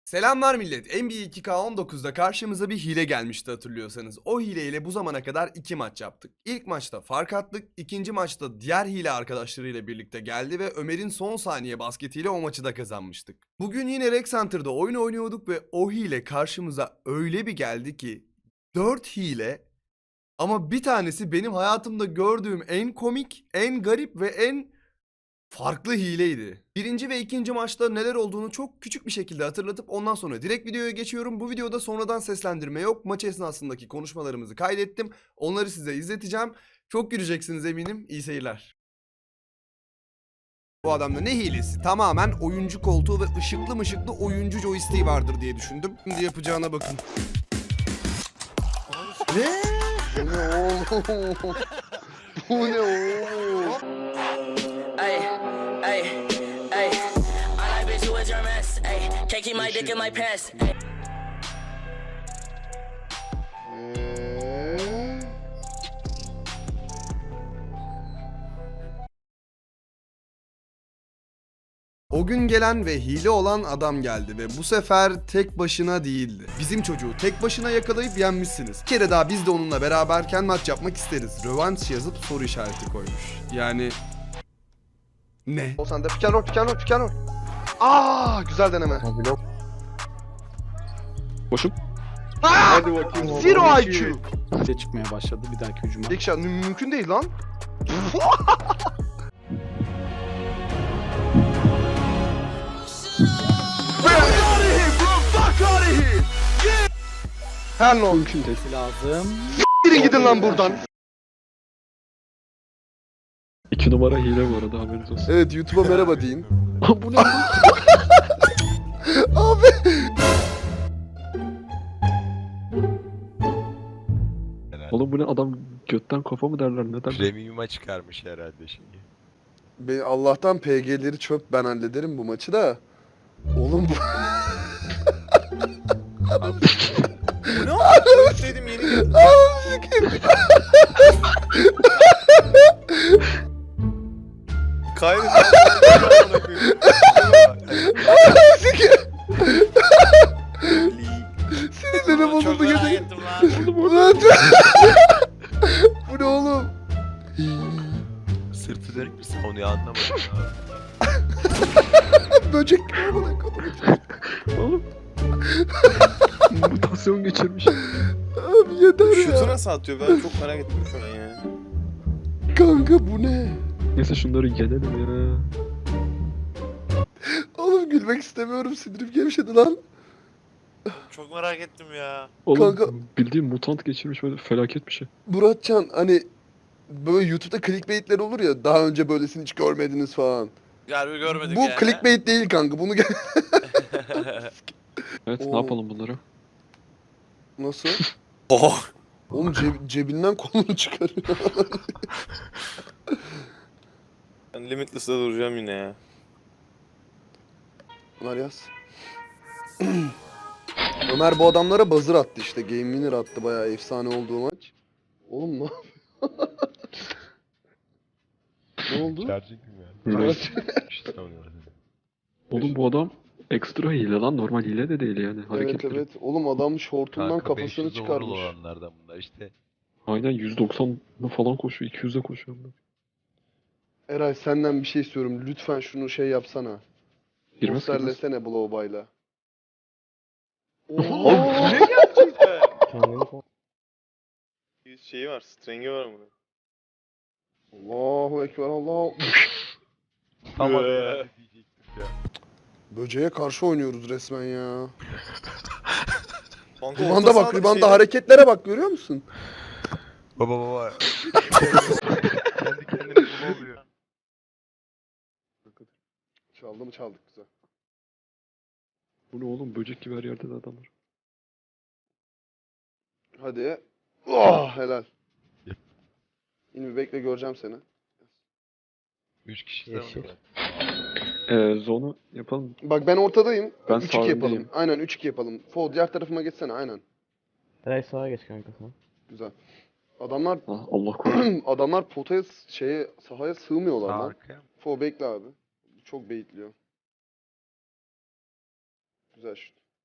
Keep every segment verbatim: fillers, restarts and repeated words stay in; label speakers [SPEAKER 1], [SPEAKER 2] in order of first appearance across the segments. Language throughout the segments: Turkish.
[SPEAKER 1] Selamlar millet. N B A iki K on dokuzda karşımıza bir hile gelmişti hatırlıyorsanız. O hileyle bu zamana kadar iki maç yaptık. İlk maçta fark attık. İkinci maçta diğer hile arkadaşlarıyla birlikte geldi ve Ömer'in son saniye basketiyle o maçı da kazanmıştık. Bugün yine Rec Center'da oyun oynuyorduk ve o hile karşımıza öyle bir geldi ki dört hile, ama bir tanesi benim hayatımda gördüğüm en komik, en garip ve en farklı hileydi. Birinci ve ikinci maçta neler olduğunu çok küçük bir şekilde hatırlatıp ondan sonra direkt videoya geçiyorum. Bu videoda sonradan seslendirme yok. Maç esnasındaki konuşmalarımızı kaydettim. Onları size izleteceğim. Çok güleceksiniz eminim. İyi seyirler. Bu adamda ne hilesi? Tamamen oyuncu koltuğu ve ışıklı mışıklı oyuncu joystick'i vardır diye düşündüm. Şimdi yapacağına bakın. Ne?
[SPEAKER 2] Bu ne oğlum? Bu ne oğlum?
[SPEAKER 3] Ay, ay, ay. All I bitch you is your mess. Ay, can't keep my dick in my pants. Ay.
[SPEAKER 2] Eee?
[SPEAKER 1] O gün gelen ve hile olan adam geldi ve bu sefer tek başına değildi. Bizim çocuğu tek başına yakalayıp yenmişsiniz. Bir kere daha biz de onunla beraberken maç yapmak isteriz. Rövanş yazıp soru işareti koymuş. Yani... Ne?
[SPEAKER 2] O sende piken rol, piken rol, piken rol. Aa, güzel deneme.
[SPEAKER 4] Boşum.
[SPEAKER 2] Hadi bakayım. Zero I Q.
[SPEAKER 4] Hile çıkmaya başladı bir dahaki hücuma.
[SPEAKER 2] İlk şart mü- mümkün değil lan. Her ne olsun.
[SPEAKER 4] Mümkün değil. Lazım.
[SPEAKER 2] Gidin gidin lan buradan.
[SPEAKER 4] İki numara hile bu arada haberiniz olsun.
[SPEAKER 2] Evet, YouTube'a merhaba deyin.
[SPEAKER 4] Bu ne lan?
[SPEAKER 2] Abi.
[SPEAKER 4] Oğlum bu ne, adam götten kafa mı derler, ne derler?
[SPEAKER 5] Premium'a çıkarmış herhalde şeyi.
[SPEAKER 2] Be Allah'tan P G'leri çöp, ben hallederim bu maçı da. Oğlum bu...
[SPEAKER 5] Bu ne oldu? Dedim yeni geldim. Kaybettim.
[SPEAKER 2] Sinirlerim bozuldu
[SPEAKER 5] Çok merak
[SPEAKER 2] gece.
[SPEAKER 5] ettim lan.
[SPEAKER 2] Ulan bu ne oğlum?
[SPEAKER 5] Sırtı dönük bir savunuyor anlamadım ya.
[SPEAKER 2] Böcek gibi bana kadar.
[SPEAKER 4] Oğlum. Mutasyon geçirmiş.
[SPEAKER 2] Abi yeter ya.
[SPEAKER 6] Şutu nasıl atıyor? Ben çok merak ettim şu an ya.
[SPEAKER 2] Kanka bu ne?
[SPEAKER 4] Neyse şunları yenelim ya.
[SPEAKER 2] Oğlum gülmek istemiyorum, sinirim gevşedi lan.
[SPEAKER 6] Çok merak ettim ya.
[SPEAKER 4] Oğlum
[SPEAKER 2] Kanka-
[SPEAKER 4] bildiğin mutant geçirmiş, böyle felaket bir şey.
[SPEAKER 2] Muratcan, hani böyle YouTube'da clickbaitler olur ya, daha önce böylesini hiç görmediniz falan.
[SPEAKER 6] Galiba görmedik
[SPEAKER 2] Bu
[SPEAKER 6] yani.
[SPEAKER 2] clickbait değil kanka, bunu gel...
[SPEAKER 4] Evet,
[SPEAKER 2] Oo.
[SPEAKER 4] ne yapalım bunları?
[SPEAKER 2] Nasıl?
[SPEAKER 6] Oh.
[SPEAKER 2] Oğlum ceb- cebinden kolunu çıkarıyor.
[SPEAKER 6] Ben Limitless'da duracağım yine ya.
[SPEAKER 2] Ömer yaz. Ömer bu adamlara buzzer attı işte. Game winner attı, bayağı efsane olduğu maç. Oğlum ne yapıyor? Ne oldu?
[SPEAKER 5] Charging mi yani? İşte savunuyor.
[SPEAKER 4] Oğlum bu adam ekstra hile lan, normal hile de değil yani
[SPEAKER 2] Evet
[SPEAKER 4] hareketleri.
[SPEAKER 2] evet. Oğlum adam şortundan
[SPEAKER 5] Kanka
[SPEAKER 2] kafasını
[SPEAKER 5] beş yüz
[SPEAKER 2] çıkarmış.
[SPEAKER 5] overall olanlardan bunlar işte.
[SPEAKER 4] Aynen yüz doksanla falan koşuyor, iki yüze koşuyor.
[SPEAKER 2] Eray senden bir şey istiyorum. Lütfen şunu şey yapsana.
[SPEAKER 4] Girmez girmez.
[SPEAKER 2] Posterlesene Blowby'la.
[SPEAKER 6] Oğlum
[SPEAKER 2] Oha!
[SPEAKER 6] ne gerçekten? Şeyi var, strengi var bunun.
[SPEAKER 2] Allahu Ekber, Allah.
[SPEAKER 5] Tam
[SPEAKER 6] Ee.
[SPEAKER 5] adına diyecektim ya.
[SPEAKER 2] Böceğe karşı oynuyoruz resmen ya.
[SPEAKER 6] Kanka
[SPEAKER 2] Ribanda
[SPEAKER 6] orta
[SPEAKER 2] bak,
[SPEAKER 6] sahada
[SPEAKER 2] ribanda
[SPEAKER 6] bir şey-
[SPEAKER 2] hareketlere bak, görüyor musun?
[SPEAKER 5] Baba baba. Kendi kendine ne oluyor?
[SPEAKER 2] Çaldı mı çaldık, güzel.
[SPEAKER 4] Bu ne oğlum, böcek gibi her yerde de adamlar.
[SPEAKER 2] Hadi. Oh, helal. İlmi bekle, göreceğim seni.
[SPEAKER 5] Üç kişi de var.
[SPEAKER 4] Eee zonu yapalım.
[SPEAKER 2] Bak ben ortadayım.
[SPEAKER 4] Ben
[SPEAKER 2] üç iki yapalım.
[SPEAKER 4] sağındayım.
[SPEAKER 2] Aynen üç iki yapalım. Fo diğer tarafıma geçsene, aynen.
[SPEAKER 7] Eray sağa geç kanka sen.
[SPEAKER 2] Güzel. Adamlar
[SPEAKER 4] Ah, Allah korusun.
[SPEAKER 2] adamlar potaya s- şeye sahaya sığmıyorlar
[SPEAKER 5] Sağ
[SPEAKER 2] lan.
[SPEAKER 5] arkaya mı?
[SPEAKER 2] Fo bekle abi. Çok baitliyor. Güzel şut.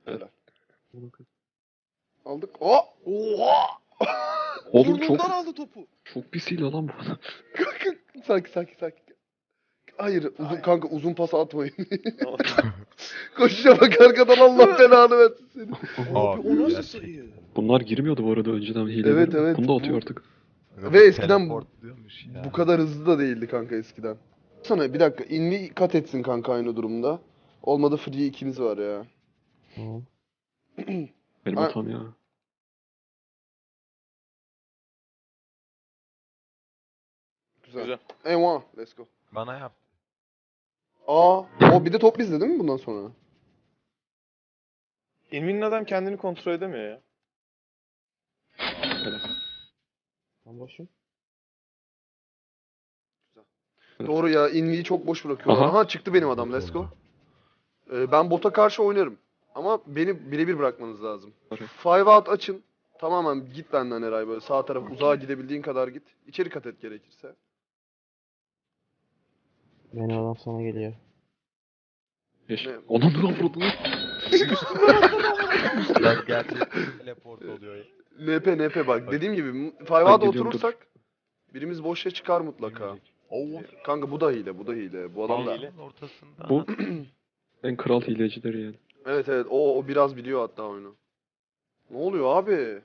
[SPEAKER 2] Helal. Aldık. Oh! Oha!
[SPEAKER 4] Oğlum çok
[SPEAKER 2] Burnundan aldı topu.
[SPEAKER 4] çok pis hile lan bu.
[SPEAKER 2] Sakin sakin sakin. Hayır uzun kanka uzun pas atmayın.
[SPEAKER 6] Tamam.
[SPEAKER 2] Koşuşa bak arkadan Allah belanı versin seni.
[SPEAKER 5] Abi o nasıl sayı?
[SPEAKER 4] Bunlar girmiyordu bu arada önceden hile.
[SPEAKER 2] Evet, evet,
[SPEAKER 4] Bunu da atıyor
[SPEAKER 2] bu-
[SPEAKER 4] artık.
[SPEAKER 2] Ve eskiden bu,
[SPEAKER 5] Teleportluyormuş ya.
[SPEAKER 2] bu kadar hızlı da değildi kanka eskiden. Sana bir dakika invi kat etsin kanka aynı durumda. Olmadı free ikimiz var ya.
[SPEAKER 7] Tamam.
[SPEAKER 4] Benim
[SPEAKER 2] Ay-
[SPEAKER 4] hatam ya.
[SPEAKER 2] Güzel.
[SPEAKER 6] Güzel.
[SPEAKER 2] Eyvah let's go.
[SPEAKER 5] Bana yap.
[SPEAKER 2] Aa, o bir de top bizde değil mi bundan sonra?
[SPEAKER 6] Invin'in adam kendini kontrol edemiyor ya.
[SPEAKER 7] Ben boşum.
[SPEAKER 4] Evet.
[SPEAKER 2] Doğru ya inviyi çok boş bırakıyorlar.
[SPEAKER 4] Aha.
[SPEAKER 2] Aha, çıktı benim adam let's go. Ee, ben bota karşı oynarım. Ama beni birebir bırakmanız lazım.
[SPEAKER 4] Okey.
[SPEAKER 2] Five out açın. Tamamen git benden Eray böyle sağ taraf uzağa gidebildiğin kadar git. İçeri kat et gerekirse.
[SPEAKER 7] Benim adam sana geliyor.
[SPEAKER 4] Eş.
[SPEAKER 2] Ne?
[SPEAKER 4] Onun dur vurdu lan.
[SPEAKER 5] Lan gerçekten teleport oluyor ya.
[SPEAKER 2] N P N P bak dediğim gibi five
[SPEAKER 4] Ben
[SPEAKER 2] out'a
[SPEAKER 4] gidiyorum,
[SPEAKER 2] oturursak birimiz boşa çıkar mutlaka.
[SPEAKER 5] Oo.
[SPEAKER 2] Kanka bu da hile bu da hile. Bu adam da.
[SPEAKER 6] hile.
[SPEAKER 5] Ortasında.
[SPEAKER 4] Bu en kral hilecileri yani.
[SPEAKER 2] Evet evet o, o biraz biliyor hatta oyunu. Ne oluyor abi?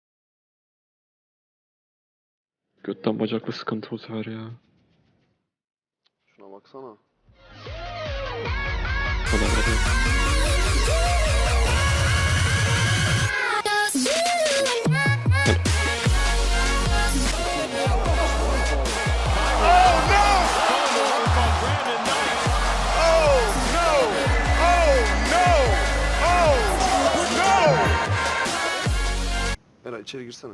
[SPEAKER 4] Götten bacaklı sıkıntı bu sefer ya.
[SPEAKER 2] Şuna baksana.
[SPEAKER 4] Kadar var ya.
[SPEAKER 2] Eray içeri girsene.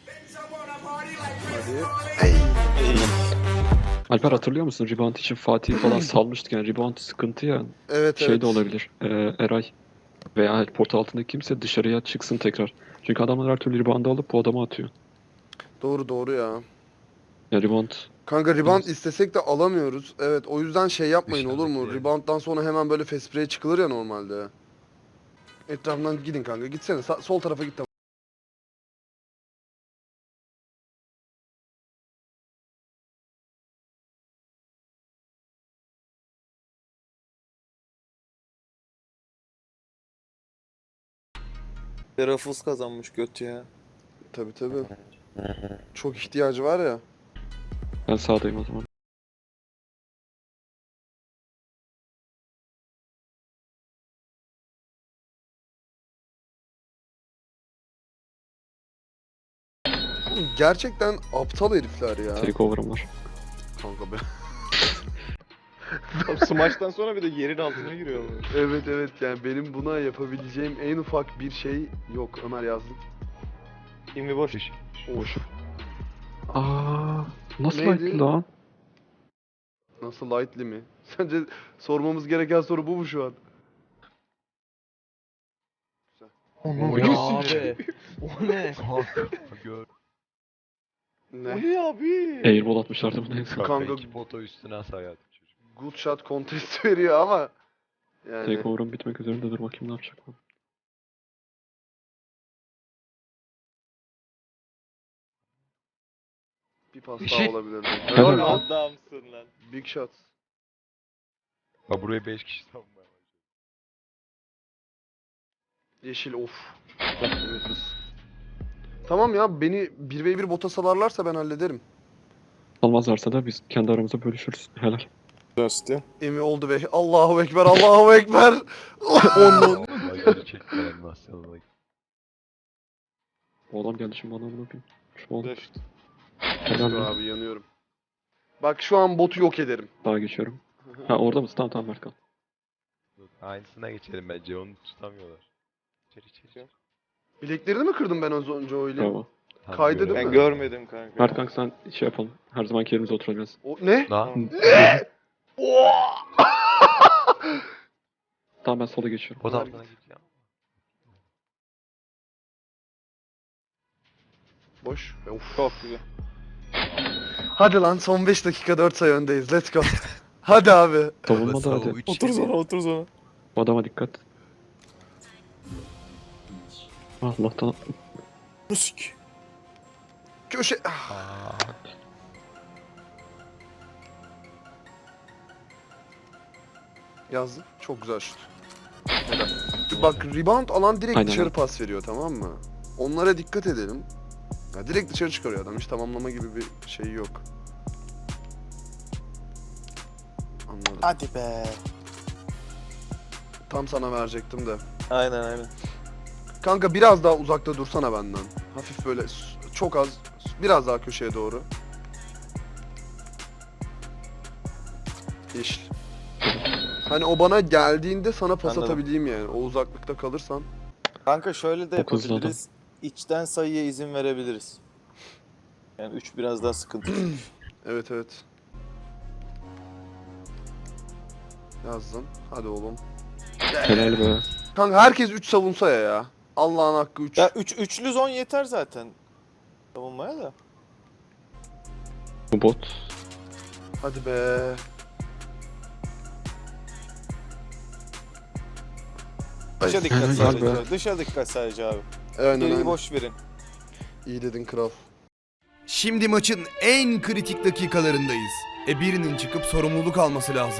[SPEAKER 2] Hadi.
[SPEAKER 4] Alper hatırlıyor musun? Rebound için Fatih falan salmıştık yani. Rebound sıkıntı ya.
[SPEAKER 2] Evet
[SPEAKER 4] Şey
[SPEAKER 2] evet.
[SPEAKER 4] de olabilir. Ee, Eray veya port altındaki kimse dışarıya çıksın tekrar. Çünkü adamlar her türlü rebound'ı alıp bu adama atıyor.
[SPEAKER 2] Doğru doğru ya.
[SPEAKER 4] Ya rebound
[SPEAKER 2] Kanka rebound
[SPEAKER 4] Biraz-
[SPEAKER 2] istesek de alamıyoruz. Evet o yüzden şey yapmayın olur mu?
[SPEAKER 5] Dışarıdaki yani.
[SPEAKER 2] Rebound'dan sonra hemen böyle fast break'e çıkılır ya normalde. Etrafından gidin kanka gitsene Sa- sol tarafa git tamam.
[SPEAKER 6] Ruffles kazanmış göt ya.
[SPEAKER 2] Tabi tabi. Çok ihtiyacı var ya.
[SPEAKER 4] ben sağdayım o zaman.
[SPEAKER 2] Oğlum gerçekten aptal herifler ya.
[SPEAKER 4] Takeover'ım var.
[SPEAKER 2] Kanka be.
[SPEAKER 6] Smash'tan sonra bir de yerin altına giriyor.
[SPEAKER 2] Evet evet yani benim buna yapabileceğim en ufak bir şey yok. Ömer yazdık.
[SPEAKER 6] Invi boş.
[SPEAKER 2] Of.
[SPEAKER 4] Aa, nasıl
[SPEAKER 2] Neydi?
[SPEAKER 4] light'li lan?
[SPEAKER 2] Nasıl lightly mi? Sence sormamız gereken soru bu mu şu an?
[SPEAKER 7] O ne abi? O ne?
[SPEAKER 5] Gör.
[SPEAKER 2] Ne?
[SPEAKER 6] ne abi?
[SPEAKER 4] Airball atmışlardı buna en son.
[SPEAKER 2] Kanka-
[SPEAKER 5] Kanka iki foto üstüne hasar çocuk.
[SPEAKER 2] Good shot contest veriyor ama yani
[SPEAKER 4] Takeover'ım bitmek üzerinde dur bakayım ne yapacak bu.
[SPEAKER 2] bir pas daha olabilirdi.
[SPEAKER 4] Helal
[SPEAKER 2] Helal
[SPEAKER 4] lan.
[SPEAKER 2] lan.
[SPEAKER 6] Adamsın lan.
[SPEAKER 2] Big shot.
[SPEAKER 5] Ha buraya beş kişi savunmaya başladı.
[SPEAKER 2] Yeşil of. Limitless. Tamam ya beni bir ve bir bota salarlarsa ben hallederim.
[SPEAKER 4] Almazlarsa da biz kendi aramızda bölüşürüz. Helal.
[SPEAKER 6] Dusty.
[SPEAKER 2] Emi oldu be. Allahu ekber. Allahu ekber.
[SPEAKER 5] Onun. Bacları çekti animasyonuna.
[SPEAKER 4] Bu adam geldi şimdi bana bunu yapayım. Şu oldu.
[SPEAKER 6] Dust.
[SPEAKER 4] Helal
[SPEAKER 2] Dur
[SPEAKER 4] lan.
[SPEAKER 2] abi yanıyorum. Bak şu an botu yok ederim.
[SPEAKER 4] Daha geçiyorum. Ha orada mısın? Tamam tamam Berkan.
[SPEAKER 5] Aynısına geçelim bence onu tutamıyorlar. İçeri içeri içeri.
[SPEAKER 2] Bileklerini mi kırdım ben az önce öyle?
[SPEAKER 4] Bravo.
[SPEAKER 5] Tam
[SPEAKER 2] Kaydı değil
[SPEAKER 5] göremedim.
[SPEAKER 2] mi?
[SPEAKER 6] Ben görmedim kanka.
[SPEAKER 4] Mert kanka sen şey yapalım. Her zamanki yerimize oturacağız.
[SPEAKER 2] O ne?
[SPEAKER 5] Lan
[SPEAKER 4] Tamam ben sola geçiyorum.
[SPEAKER 5] o da altına git ya.
[SPEAKER 2] Boş. Of.
[SPEAKER 6] Çok güzel.
[SPEAKER 2] Hadi lan son beş dakika dört sayı öndeyiz. Let's go. Hadi abi.
[SPEAKER 4] Savunma da hadi.
[SPEAKER 6] Otur sonra otur sonra.
[SPEAKER 4] Bu adama dikkat. Allah'tan
[SPEAKER 6] Musik.
[SPEAKER 2] Köşe.
[SPEAKER 5] Aa,
[SPEAKER 2] Yazdım. Çok güzel şut. Bak rebound alan direkt
[SPEAKER 4] Aynen
[SPEAKER 2] dışarı
[SPEAKER 4] öyle.
[SPEAKER 2] pas veriyor, tamam mı? Onlara dikkat edelim. Ya direkt dışarı çıkarıyor adam. Hiç tamamlama gibi bir şey yok. Anladım.
[SPEAKER 6] Hadi be.
[SPEAKER 2] Tam sana verecektim de.
[SPEAKER 6] Aynen aynen.
[SPEAKER 2] Kanka biraz daha uzakta dursana benden. Hafif böyle s- çok az, biraz daha köşeye doğru. Yeşil. Hani o bana geldiğinde sana pas
[SPEAKER 6] Anladım.
[SPEAKER 2] atabileyim yani. O uzaklıkta kalırsan.
[SPEAKER 6] Kanka şöyle de
[SPEAKER 4] Çok hızlı
[SPEAKER 6] yapabiliriz. İçten sayıya izin verebiliriz. Yani üç biraz daha sıkıntı.
[SPEAKER 2] Evet evet. Yazdım. Hadi oğlum.
[SPEAKER 4] helal be.
[SPEAKER 2] Kanka herkes üç savunsa ya ya. Allah'ın hakkı üç.
[SPEAKER 6] ya üç üçlü zon yeter zaten. Savunmaya da.
[SPEAKER 4] Bu bot.
[SPEAKER 2] Hadi be.
[SPEAKER 6] Dışa dikkat
[SPEAKER 4] Helal
[SPEAKER 6] sadece.
[SPEAKER 4] be.
[SPEAKER 6] Dışa dikkat sadece abi.
[SPEAKER 2] Aynen
[SPEAKER 6] Geriyi
[SPEAKER 2] aynen.
[SPEAKER 6] boş verin.
[SPEAKER 2] İyi dedin kral.
[SPEAKER 1] Şimdi maçın en kritik dakikalarındayız. E birinin çıkıp sorumluluk alması lazım.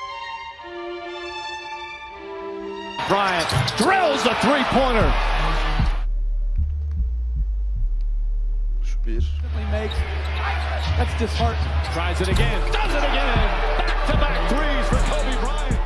[SPEAKER 8] Bryant drills the three-pointer.
[SPEAKER 2] Şu bir.
[SPEAKER 8] Makes. That's disheartening. Tries it again. Does it again. Back-to-back threes for Kobe Bryant.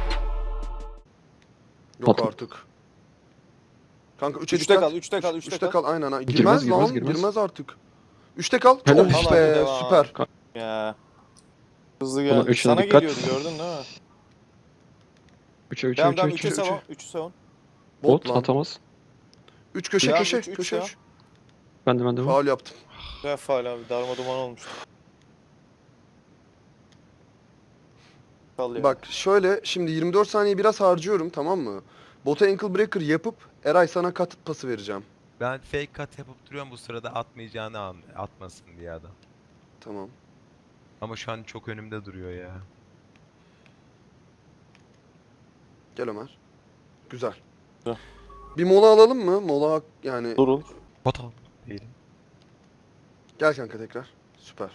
[SPEAKER 2] Yok
[SPEAKER 4] Patlat.
[SPEAKER 2] artık. Kanka üçe
[SPEAKER 6] Üçte
[SPEAKER 2] dikkat.
[SPEAKER 6] kal, üçte kal,
[SPEAKER 2] Üç-
[SPEAKER 6] üçte
[SPEAKER 2] üçte
[SPEAKER 6] kal.
[SPEAKER 2] kal. Aynen. aynen.
[SPEAKER 4] Girmez,
[SPEAKER 2] Girmez,
[SPEAKER 4] girmez,
[SPEAKER 2] lan.
[SPEAKER 4] girmez.
[SPEAKER 2] Girmez artık. Üçte kal.
[SPEAKER 4] Helal.
[SPEAKER 2] Of
[SPEAKER 6] Al
[SPEAKER 2] be.
[SPEAKER 6] abi, devam.
[SPEAKER 2] Süper.
[SPEAKER 6] Ya. Hızlı
[SPEAKER 4] Ulan
[SPEAKER 6] geldi.
[SPEAKER 4] üçüne
[SPEAKER 6] Sana
[SPEAKER 4] dikkat.
[SPEAKER 6] geliyordu gördün değil mi?
[SPEAKER 4] üçe üçe
[SPEAKER 6] Devam
[SPEAKER 4] üçe
[SPEAKER 6] devam
[SPEAKER 4] üçe.
[SPEAKER 6] üçe
[SPEAKER 2] üçe.
[SPEAKER 6] savun. üçü savun.
[SPEAKER 2] Bot
[SPEAKER 4] Bot
[SPEAKER 2] lan.
[SPEAKER 4] atamaz.
[SPEAKER 2] Üç köşe
[SPEAKER 6] Ya,
[SPEAKER 2] köşe.
[SPEAKER 6] üç, üç
[SPEAKER 2] köşe
[SPEAKER 6] ya.
[SPEAKER 2] üç.
[SPEAKER 4] Ben de ben de.
[SPEAKER 2] Faul yaptım.
[SPEAKER 6] Güzel faal abi. Darma duman olmuş. Kal ya.
[SPEAKER 2] Bak şöyle şimdi yirmi dört saniye biraz harcıyorum, tamam mı? Bota ankle breaker yapıp Eray sana kat pası vereceğim.
[SPEAKER 5] ben fake cut yapıp duruyorum bu sırada atmayacağını an atmasın diye adam.
[SPEAKER 2] Tamam.
[SPEAKER 5] Ama şu an çok önümde duruyor ya.
[SPEAKER 2] Gel Ömer. Güzel.
[SPEAKER 6] Güzel.
[SPEAKER 2] Bir mola alalım mı? Mola hak- yani.
[SPEAKER 6] Durun.
[SPEAKER 5] Bot al. Değilim.
[SPEAKER 2] Gel kanka tekrar. Süper.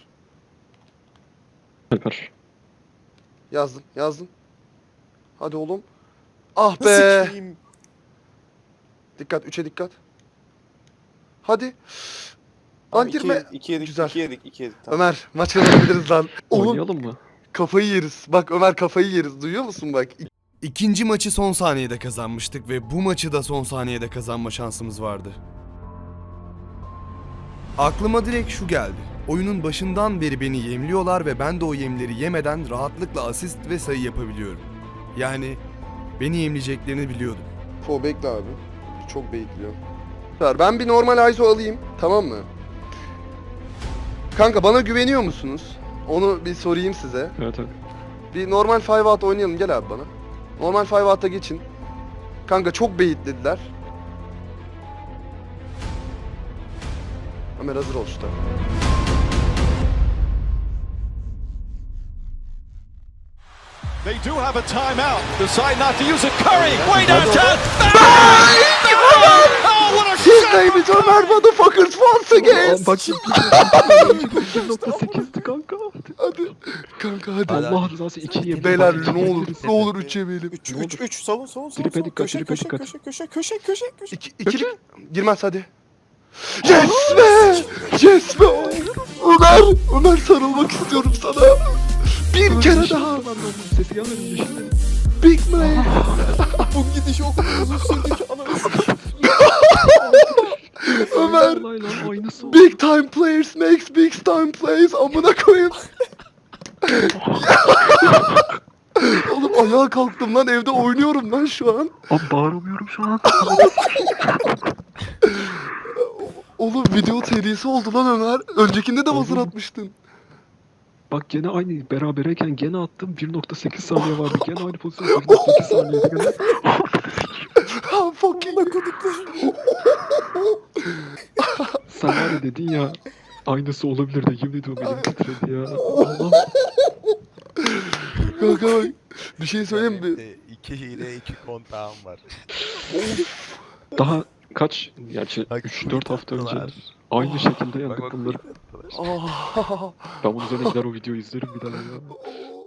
[SPEAKER 4] Süper.
[SPEAKER 2] Yazdım. Yazdım. Hadi oğlum. Ah be.
[SPEAKER 6] Sikeyim.
[SPEAKER 2] Dikkat. Üçe dikkat. Hadi. Lan
[SPEAKER 6] Tamam, iki
[SPEAKER 2] girme.
[SPEAKER 6] yedik, iki yedik,
[SPEAKER 2] Güzel.
[SPEAKER 6] iki yedik, iki yedik. Tamam.
[SPEAKER 2] Ömer maç kazanabiliriz lan. Oğlum
[SPEAKER 4] Oynayalım mı?
[SPEAKER 2] kafayı yeriz. Bak Ömer kafayı yeriz. Duyuyor musun bak?
[SPEAKER 1] İkinci maçı son saniyede kazanmıştık ve bu maçı da son saniyede kazanma şansımız vardı. Aklıma direkt şu geldi. Oyunun başından beri beni yemliyorlar ve ben de o yemleri yemeden rahatlıkla asist ve sayı yapabiliyorum. Yani beni yemleyeceklerini biliyordum.
[SPEAKER 2] Fo bekle abi. Çok bekliyor. Süper. Ben bir normal I S O alayım. Tamam mı? Kanka bana güveniyor musunuz? Onu bir sorayım size.
[SPEAKER 4] Evet evet.
[SPEAKER 2] Bir normal five out oynayalım. Gel abi bana. Normal five out'a geçin. Kanka çok beyitlediler. Ömer hazır ol şu
[SPEAKER 8] They do have a timeout. Decide not to use it. Curry way downtown. Oh, what a
[SPEAKER 2] His
[SPEAKER 8] shot!
[SPEAKER 2] name is Ömer motherfuckers once again.
[SPEAKER 4] Aa, bak bir nokta sekizdi kanka.
[SPEAKER 2] Hadi. Kanka hadi.
[SPEAKER 4] Allah rızası iki yemin.
[SPEAKER 2] Beyler ne olur ne olur üç yemeyelim.
[SPEAKER 6] üç,
[SPEAKER 4] Ne
[SPEAKER 6] üç,
[SPEAKER 4] olur.
[SPEAKER 6] üç, savun, savun, savun.
[SPEAKER 4] Tripe
[SPEAKER 6] savun.
[SPEAKER 4] dikkat,
[SPEAKER 6] köşe,
[SPEAKER 4] tripe
[SPEAKER 6] köşe,
[SPEAKER 4] dikkat.
[SPEAKER 6] köşe, köşe, köşe, köşe, köşe.
[SPEAKER 2] İki, ikili girmez hadi. Yes be! Yes be! Ömer! Ömer sarılmak istiyorum sana. Bir kere daha.
[SPEAKER 4] Sesi gelmedi mi şimdi?
[SPEAKER 2] Big man.
[SPEAKER 6] Bu gidiş o kadar uzun sürdü ki ananı sikeyim.
[SPEAKER 2] Ömer.
[SPEAKER 4] Vallahi lan aynısı oldu.
[SPEAKER 2] Big time players makes big time plays. Amına koyayım. Oğlum ayağa kalktım lan, evde oynuyorum lan şu an.
[SPEAKER 4] Abi bağıramıyorum şu an.
[SPEAKER 2] Oğlum video serisi oldu lan Ömer. Öncekinde de buzzer
[SPEAKER 4] Oğlum.
[SPEAKER 2] atmıştın.
[SPEAKER 4] Bak gene aynı berabereyken gene attım bir nokta sekiz saniye vardı. Gene aynı pozisyon bir nokta sekiz saniyeydi gene.
[SPEAKER 2] Ha fucking.
[SPEAKER 4] Sen var ya dedin ya aynısı olabilir de yemin ediyorum elim titredi ya. Allah.
[SPEAKER 2] Kanka bak. Bir şey söyleyeyim mi?
[SPEAKER 5] Benim de iki hile iki kontağım var.
[SPEAKER 4] Daha kaç gerçi
[SPEAKER 5] Bak,
[SPEAKER 4] üç dört hafta önce
[SPEAKER 5] attılar.
[SPEAKER 4] aynı şekilde
[SPEAKER 5] Bak
[SPEAKER 4] yendik
[SPEAKER 5] bak
[SPEAKER 4] bunları.
[SPEAKER 5] attılar.
[SPEAKER 2] Oh.
[SPEAKER 4] Ben bunun üzerine gider o videoyu izlerim bir daha ya.